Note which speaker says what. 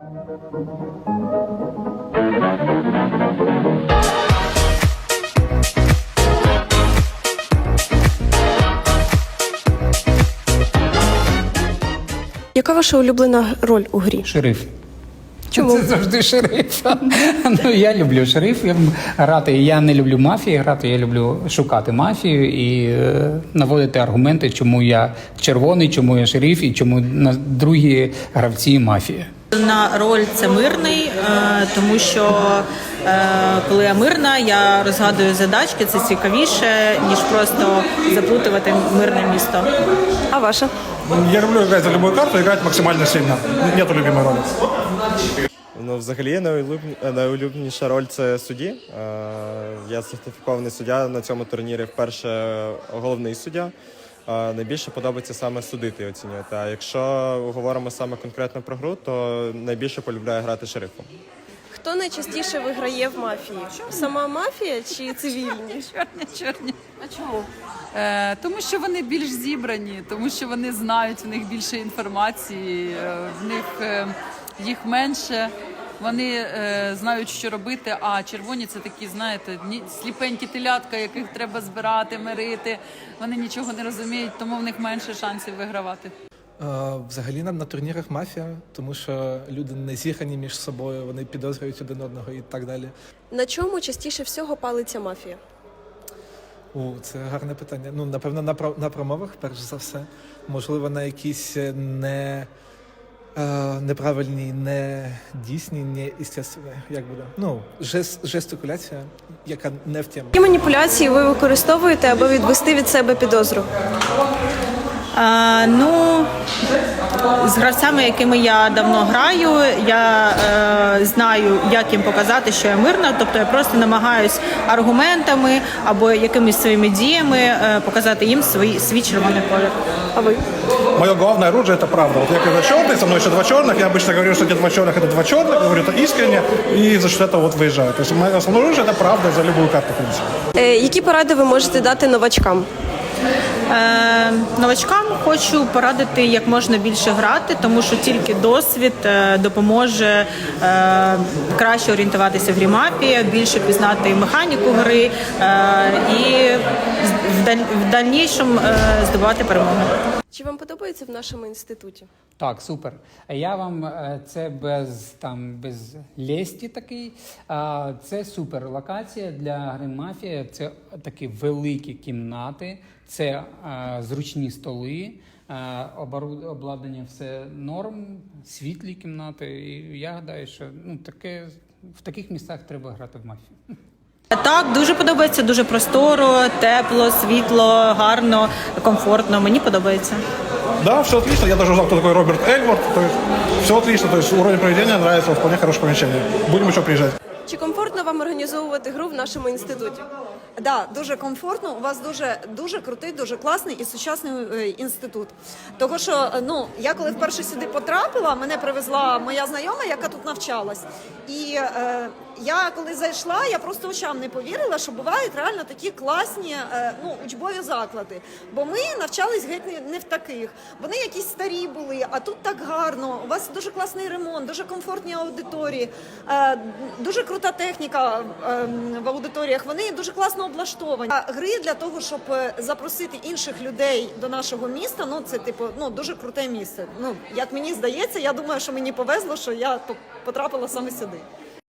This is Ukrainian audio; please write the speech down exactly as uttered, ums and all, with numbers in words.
Speaker 1: Яка ваша улюблена роль у грі?
Speaker 2: Шериф.
Speaker 1: Чому?
Speaker 2: Це завжди шериф. Ну, я люблю шерифів грати. Я не люблю мафії грати, я люблю шукати мафію і е, наводити аргументи, чому я червоний, чому я шериф і чому на другі гравці мафії.
Speaker 3: На роль це мирний, е, тому що е, коли я мирна, я розгадую задачки, це цікавіше, ніж просто заплутувати мирне місто.
Speaker 1: А ваша?
Speaker 4: Я люблю играть за любую карту, играть максимально сильно. Нету любимой роли.
Speaker 5: Ну, взагалі, найулюбні- найулюбленіша роль – це судді. Е, Я сертифікований суддя на цьому турнірі, вперше головний суддя. Е, Найбільше подобається саме судити і оцінювати. А якщо говоримо саме конкретно про гру, то найбільше полюбляю грати шерифом.
Speaker 1: Хто найчастіше виграє в мафії? Сама мафія чи цивільні?
Speaker 6: Чорні, чорні.
Speaker 1: А чому?
Speaker 6: Е, тому що вони більш зібрані, тому що вони знають, в них більше інформації, е, в них е, їх менше, вони е, знають, що робити, а червоні це такі, знаєте, ні- сліпенькі телятка, яких треба збирати, мирити, вони нічого не розуміють, тому в них менше шансів вигравати.
Speaker 7: Е, Взагалі на, на турнірах мафія, тому що люди не зіграні між собою, вони підозрюють один одного і так далі.
Speaker 1: На чому частіше всього палиться мафія?
Speaker 7: О, це гарне питання. Ну, напевно, на, про- на промовах, перш за все. Можливо, на якісь не, е, неправильні, не дійсні, не естественні, як буде. Ну, жест, жестикуляція, яка не в тему.
Speaker 1: Які маніпуляції ви використовуєте, аби відвести від себе підозру?
Speaker 3: Е, ну, з гравцями, якими я давно граю, я е, знаю, як їм показати, що я мирна. Тобто я просто намагаюсь аргументами або якимись своїми діями е, показати їм свій, свій червоний колір.
Speaker 1: А ви?
Speaker 4: Мое главное оружие – это правда. Вот я когда черный, со мной еще два черных, я обычно говорю, что эти два черных – это два черных, говорю это искренне, и за счет этого вот выезжаю. То есть мое основное оружие – это правда за любую карту, в принципе.
Speaker 1: Е, які поради ви можете дати новачкам?
Speaker 3: Е, новачкам хочу порадити як можна більше грати, тому що тільки досвід е, допоможе е, краще орієнтуватися в грі мафія, більше пізнати механіку гри е, і в, даль, в дальнішому е, здобувати перемогу.
Speaker 1: Чи вам подобається в нашому інституті?
Speaker 2: Так, супер. Я вам е, це без там без лєсті такий. А, Це супер локація для гри мафія. Це такі великі кімнати, це е, зручні столи, е, обору- обладнання все норм, світлі кімнати. І я гадаю, що ну таке в таких місцях треба грати в мафію.
Speaker 3: Так, дуже подобається, дуже просторо, тепло, світло, гарно, комфортно. Мені подобається.
Speaker 4: Да, все отлично. Я даже узнал, кто такой Роберт Эльворд. То есть все отлично. То есть уровень проведения нравится, вполне хорошее помещение. Будем еще приезжать.
Speaker 1: Чи комфортно вам організовувати гру в нашому інституті?
Speaker 8: Да, дуже комфортно. У вас дуже дуже крутий, дуже класний і сучасний е, інститут. Того що ну я коли вперше сюди потрапила, мене привезла моя знайома, яка тут навчалась. І е, я коли зайшла, я просто очам не повірила, що бувають реально такі класні е, ну учбові заклади. Бо ми навчались геть не, не в таких. Вони якісь старі були, а тут так гарно. У вас дуже класний ремонт, дуже комфортні аудиторії, е, дуже крута техніка е, в аудиторіях. Вони дуже класно облаштовані. А гри для того, щоб запросити інших людей до нашого міста, ну це типу ну дуже круте місце. Ну як мені здається, я думаю, що мені повезло, що я потрапила саме сюди.